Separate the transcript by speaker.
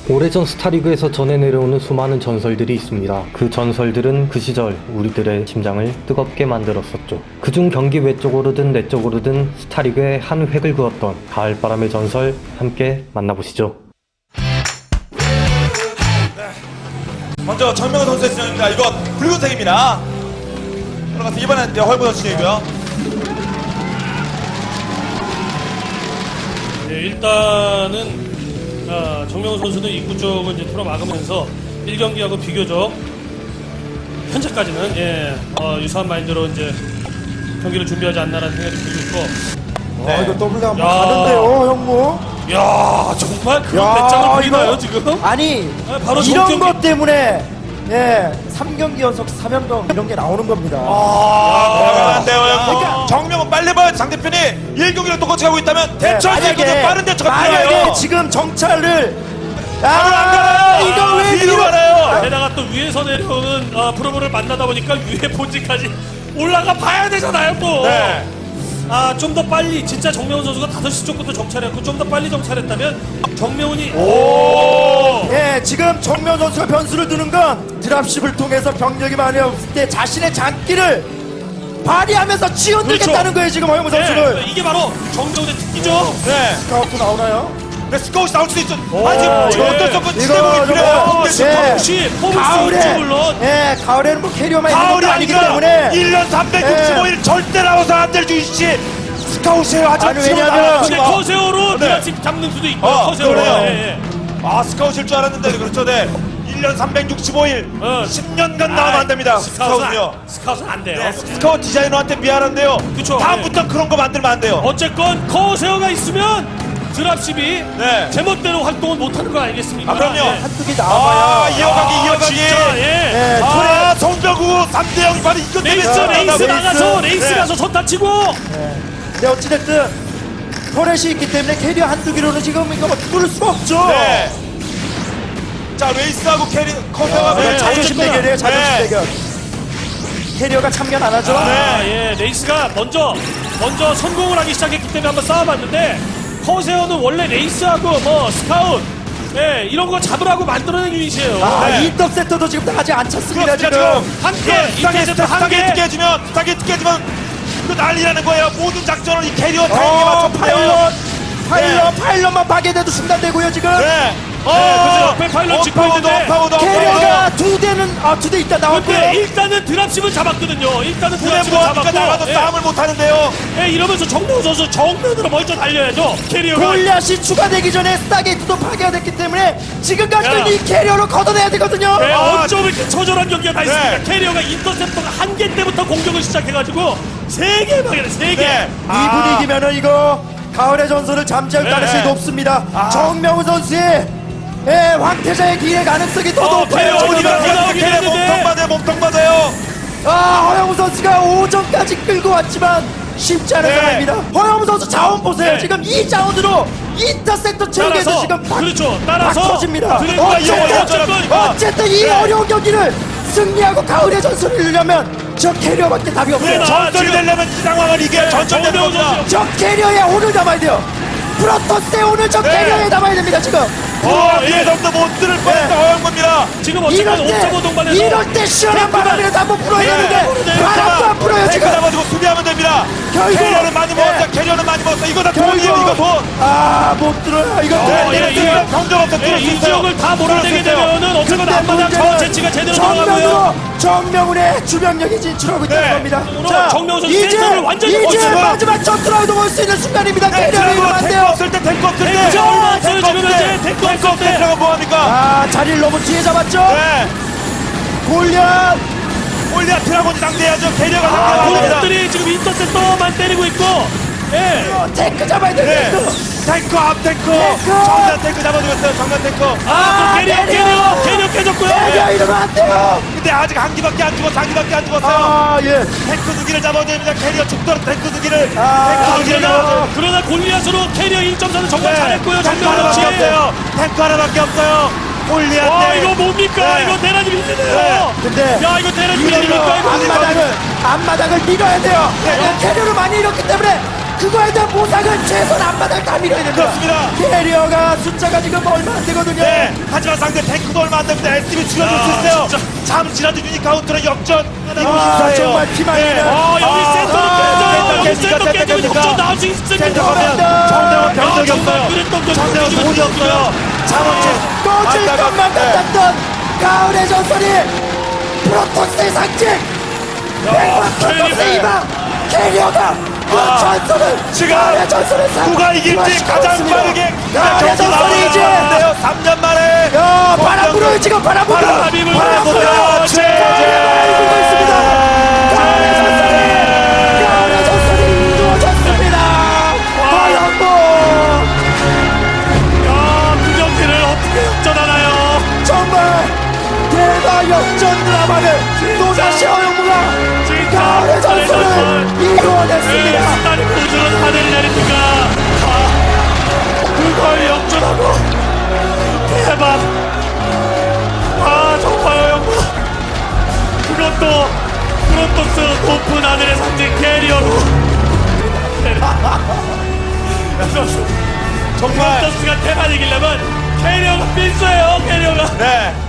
Speaker 1: 오래전 스타리그에서 전해 내려오는 수많은 전설들이 있습니다. 그 전설들은 그 시절 우리들의 심장을 뜨겁게 만들었었죠. 그중 경기 외적으로든 내적으로든 스타리그의 한 획을 그었던 가을바람의 전설 함께 만나보시죠.
Speaker 2: 먼저 정명훈 선수의 진영입니다. 이거 붉은색입니다. 올라가서 이번엔 헐보더 진영이고요.
Speaker 3: 네, 일단은 정명훈 선수는 입구 쪽을 이제 틀어막으면서 1경기하고 비교적 현재까지는 유사한 마인드로 이제 경기를 준비하지 않나라는 생각이 들고 있고.
Speaker 2: 네.
Speaker 4: 이거 더블 한번
Speaker 3: 야.
Speaker 4: 가는데요, 형무.
Speaker 3: 야, 정말 그런
Speaker 4: 야,
Speaker 3: 배짱을 보이나요
Speaker 4: 이거-
Speaker 3: 지금?
Speaker 4: 아니,
Speaker 3: 바로
Speaker 4: 이런
Speaker 3: 정경기-
Speaker 4: 것 때문에 3경기 연속 3연병 이런 게 나오는 겁니다.
Speaker 2: 대단한데요,
Speaker 4: 그러니까-
Speaker 2: 정명훈 빨리 봐야 상대편이 1경기를 똑같이 하고 있다면 대처할 수 있거든. 빠른 대처가
Speaker 4: 만약에
Speaker 2: 필요해요.
Speaker 4: 지금 정찰을
Speaker 2: 안 가요.
Speaker 4: 이거 왜
Speaker 2: 뒤로
Speaker 4: 뒤로
Speaker 2: 가나요?
Speaker 3: 게다가 또 위에서 내려오는 프로모를 만나다 보니까 위에 본지까지 올라가 봐야 되잖아요 또.
Speaker 2: 네.
Speaker 3: 좀 더 빨리 진짜 정명훈 선수가 5시 쪽부터 정찰했고 좀 더 빨리 정찰했다면 정명훈이
Speaker 4: 예, 지금 정면 선수가 변수를 두는 건 드랍십을 통해서 병력이 많이 없을 때 자신의 장기를 발휘하면서 치어들겠다는
Speaker 3: 그렇죠.
Speaker 4: 거예요, 지금 허영무 선수를.
Speaker 3: 이게 바로 정명훈의 특기죠.
Speaker 2: 네.
Speaker 4: 스카우트 나오나요?
Speaker 2: 네, 스코어시 나올 수도 있죠.
Speaker 4: 오,
Speaker 2: 지금
Speaker 4: 예.
Speaker 2: 어쩔 수 없고
Speaker 4: 이거,
Speaker 2: 지대목이 필요해요.
Speaker 4: 이거,
Speaker 2: 근데
Speaker 4: 예.
Speaker 3: 혹시 포블스
Speaker 4: 가을에,
Speaker 3: 있죠 물론.
Speaker 4: 예, 가을에는 뭐 캐리어만 있는
Speaker 2: 가을이
Speaker 4: 것도 아니기
Speaker 2: 아니라
Speaker 4: 때문에.
Speaker 2: 1년 365일 절대 나와서 안 될 주이씨 스카웃이에요. 아주
Speaker 4: 아니,
Speaker 2: 지금
Speaker 4: 왜냐면-
Speaker 2: 나와가지고.
Speaker 3: 근데 커세어로
Speaker 2: 네.
Speaker 3: 드라식 잡는 수도 있고 커세어로.
Speaker 2: 그래요.
Speaker 3: 예.
Speaker 2: 스카웃일 줄 알았는데 그렇죠. 네. 1년 365일 10년간 나오면 안 됩니다. 스카웃은요.
Speaker 3: 스카웃은 안 돼요.
Speaker 2: 네, 스카웃 디자이너한테 미안한데요.
Speaker 3: 그쵸.
Speaker 2: 다음부터 그런 거 만들면 안 돼요.
Speaker 3: 어쨌건 커세어가 있으면 드랍십이
Speaker 2: 네.
Speaker 3: 제멋대로 활동을 못하는 거 알겠습니까?
Speaker 2: 그럼요.
Speaker 3: 예.
Speaker 4: 한두 개 나와봐야.
Speaker 2: 이어가기.
Speaker 3: 진짜, 예.
Speaker 4: 예,
Speaker 2: 송병구 3대0 바로 이것 때문에
Speaker 3: 레이스
Speaker 2: 나간다고.
Speaker 3: 나가서 레이스
Speaker 2: 네.
Speaker 3: 가서 선 다치고.
Speaker 4: 근데 어찌됐든 터렛이 있기 때문에 캐리어 한두 개로는 지금 이거 뭐 뚫을 수가 없죠.
Speaker 2: 네. 자, 레이스하고 캐리 커서가
Speaker 3: 네,
Speaker 4: 자존심
Speaker 3: 어쨌거나.
Speaker 4: 대결이에요, 자존심
Speaker 2: 네.
Speaker 4: 대결. 캐리어가 참견 안 하죠?
Speaker 3: 예. 레이스가 먼저 성공을 하기 시작했기 때문에 한번 싸워봤는데 커세어는 원래 레이스하고 뭐 스카웃 이런 거 잡으라고 만들어낸 유닛이에요.
Speaker 4: 아,
Speaker 2: 네.
Speaker 4: 인터셉터도 지금 아직 안 찼습니다,
Speaker 2: 그렇습니다.
Speaker 4: 지금.
Speaker 3: 한 개, 인터셉터 한
Speaker 2: 스타게이트
Speaker 3: 개.
Speaker 2: 깨지면 그 난리라는 거예요. 모든 작전을 이 캐리어 타이밍에
Speaker 4: 어,
Speaker 2: 맞춰
Speaker 4: 파일럿만 파괴돼도 중단되고요, 지금.
Speaker 2: 네.
Speaker 3: 그래서 옆에 파일럿 찍고 있는데
Speaker 4: 캐리어가 두 대 있다 나왔고요.
Speaker 3: 근데 일단은 드랍십은 잡았거든요. 일단은
Speaker 2: 그래
Speaker 3: 드랍십은
Speaker 2: 뭐 아까 나가도
Speaker 3: 잡았고
Speaker 2: 싸움을 못 하는데요.
Speaker 3: 이러면서 정명훈 선수 정면으로 먼저 달려야죠. 캐리어가
Speaker 4: 골리앗이 추가되기 전에 스타게이트도 파괴가 됐기 때문에 지금까지는
Speaker 3: 야.
Speaker 4: 이 캐리어로 걷어내야 되거든요.
Speaker 3: 어쩜 이렇게 처절한 경기가 다 있습니까?
Speaker 2: 네.
Speaker 3: 캐리어가 인터셉터가 한 개 때부터 공격을 시작해가지고 3개 방해를 3개.
Speaker 2: 네.
Speaker 4: 이 분위기면은 이거 가을의 전설을 잠재울
Speaker 3: 네.
Speaker 4: 가능성이 높습니다. 정명훈 선수의 황태자의 기회 가능성이 더 높아요.
Speaker 3: 캐리어
Speaker 4: 지금.
Speaker 3: 어디가 나오긴
Speaker 2: 캐리어
Speaker 3: 했는데.
Speaker 2: 몸통 맞아요.
Speaker 4: 허영우 선수가 5점까지 끌고 왔지만 쉽지 않은
Speaker 2: 네.
Speaker 4: 상황입니다. 허영우 선수 자원 보세요.
Speaker 3: 네.
Speaker 4: 지금 이 자원으로 인터셉터 체육에서
Speaker 3: 따라서,
Speaker 4: 지금
Speaker 3: 그렇죠. 따라서
Speaker 4: 터집니다.
Speaker 3: 드래곤과
Speaker 4: 어쨌든, 어쨌든 이
Speaker 3: 네.
Speaker 4: 어려운 경기를 승리하고 가을의 전설을 이루려면 저 캐리어밖에 답이 없어요.
Speaker 3: 네,
Speaker 2: 전설이
Speaker 3: 지금-
Speaker 2: 되려면 이 상황을 이겨야 전설 되는
Speaker 3: 정명훈
Speaker 2: 겁니다.
Speaker 3: 선수.
Speaker 4: 저 캐리어에 오늘 담아야 돼요. 프로토스에 오늘 저
Speaker 2: 네.
Speaker 4: 캐리어에 담아야 됩니다. 지금
Speaker 2: 뒤에서부터 못 들을 뻔했다 허영 겁니다.
Speaker 3: 지금 어쨌든
Speaker 4: 이럴
Speaker 3: 5.5 동반에서
Speaker 4: 이럴 때 시원한 바람이라도 한번 불어야
Speaker 2: 네.
Speaker 4: 되는데 바람도 안 불어요
Speaker 2: 탱크
Speaker 4: 지금.
Speaker 2: 잡아주고 수비하면 됩니다.
Speaker 4: 결국-
Speaker 2: 캐리어는 많이
Speaker 4: 네.
Speaker 2: 먹었어요. 캐리어는 많이 먹었어요. 이거 다 돈이에요. 이거 돈.
Speaker 4: 못 들어요. 이거
Speaker 2: 경정 없어.
Speaker 3: 이 지역을 다 몰아내게 되면은 어쨌건 앞마당 자원 채취가 제대로 들어가고요.
Speaker 4: 정명훈의 주변력이 진출하고 있다는
Speaker 2: 네.
Speaker 4: 겁니다.
Speaker 3: 정명훈 선수 센터를 완전히
Speaker 4: 이제
Speaker 3: 꽂히고요.
Speaker 4: 마지막 전투라도 볼 수 있는 순간입니다.
Speaker 2: 네,
Speaker 4: 캐리어를 이러면 안
Speaker 2: 탱크
Speaker 4: 돼요.
Speaker 2: 없을 때 탱크 없을 때
Speaker 3: 탱크 얼마 없어요, 지금 현재. 탱크 없을 때.
Speaker 2: 탱크가 뭐합니까?
Speaker 4: 자리를 너무 뒤에 잡았죠.
Speaker 2: 네.
Speaker 4: 골리앗.
Speaker 2: 올리아 드라곤이 상대해야죠. 캐리어가 상대해야 됩니다.
Speaker 3: 공격들이 지금 인터셉터만 때리고 있고
Speaker 4: 탱크 잡아야 돼요.
Speaker 2: 네.
Speaker 4: 탱크.
Speaker 2: 탱크 앞 탱크.
Speaker 4: 탱크!
Speaker 2: 정면 탱크 잡아주겠어요. 정면 탱크.
Speaker 3: 캐리어 깨졌고요.
Speaker 4: 캐리어 이러면 안 돼요.
Speaker 2: 근데 아직 한 기밖에 안 죽었어. 한 기밖에 안 죽었어요.
Speaker 4: 예.
Speaker 2: 탱크 두 기를 잡아야 됩니다. 캐리어 죽도록 탱크 두 기를.
Speaker 4: 아,
Speaker 2: 탱크 두 기를 잡아야
Speaker 3: 그러나 골리앗으로 캐리어 1.4는 정말
Speaker 2: 네.
Speaker 3: 잘했고요.
Speaker 2: 탱크
Speaker 3: 정명훈
Speaker 2: 하나밖에
Speaker 3: 씨.
Speaker 2: 없어요. 탱크 하나밖에 없어요. 골리아
Speaker 3: 와
Speaker 2: 네.
Speaker 3: 이거 뭡니까?
Speaker 2: 네.
Speaker 3: 이거 대란이 힘드네요.
Speaker 2: 네.
Speaker 4: 근데
Speaker 3: 야 이거 대란이
Speaker 4: 이걸로
Speaker 3: 힘듭니까? 이거?
Speaker 4: 앞마당을 밀어야 돼요.
Speaker 2: 네.
Speaker 4: 캐리어를 많이 잃었기 때문에 그거에 대한 보상은 최소한 앞바닥 다 밀어야 됩니다.
Speaker 2: 그렇습니다.
Speaker 4: 캐리어가 숫자가 지금 얼마 안 되거든요.
Speaker 2: 네, 하지만 상대 탱크도 얼마 안 됩니다. SB 줄여줄 수 있어요.
Speaker 3: 진짜.
Speaker 2: 잠시라도 유니카운트는 역전. 이거
Speaker 4: 아,
Speaker 2: 심사예요.
Speaker 4: 정말 피망이네.
Speaker 3: 여기 센터로 깨져요. 여기
Speaker 2: 센터
Speaker 3: 센터 깨지면
Speaker 2: 깹니까?
Speaker 3: 역전 나올 수 있습니다.
Speaker 2: 센터 가면 정대원 병력이
Speaker 3: 정말
Speaker 2: 없어요.
Speaker 3: 그랬던 거
Speaker 2: 정대원
Speaker 3: 정말
Speaker 2: 돈이 없어요. 자원체
Speaker 4: 꺼질 것만 같았던 가을의 전설이 프로토스의 상징 프로토스의 희망 캐리어가 그 전설을
Speaker 2: 지금
Speaker 4: 가을의 전설을
Speaker 2: 누가 이길지 가장 빠르게
Speaker 4: 가을의 전설이 이제
Speaker 2: 3년 만에
Speaker 4: 야 바람 불어요 지금 바람 불어
Speaker 3: 바람이 불어요.
Speaker 4: 바람 불어요
Speaker 3: 그렇지.
Speaker 4: 바람이 불고 있습니다 가을의 전설이 이루어졌습니다 과연 뭐
Speaker 3: 그 경기를 어떻게 역전하나요?
Speaker 4: 정말 대박 역전 드라마를 또다시 허영무가 가을의 전설을 이루어냈습니다.
Speaker 3: 스타리 우주는 하늘 내리니까 그걸 역전하고 대박. 정말 영광. 그것도 프로토스 높은 하늘의 상징 캐리어로.
Speaker 2: 정말
Speaker 3: 프로토스가 대만 이기려면 캐리어가 필수예요. 캐리어가.
Speaker 2: 네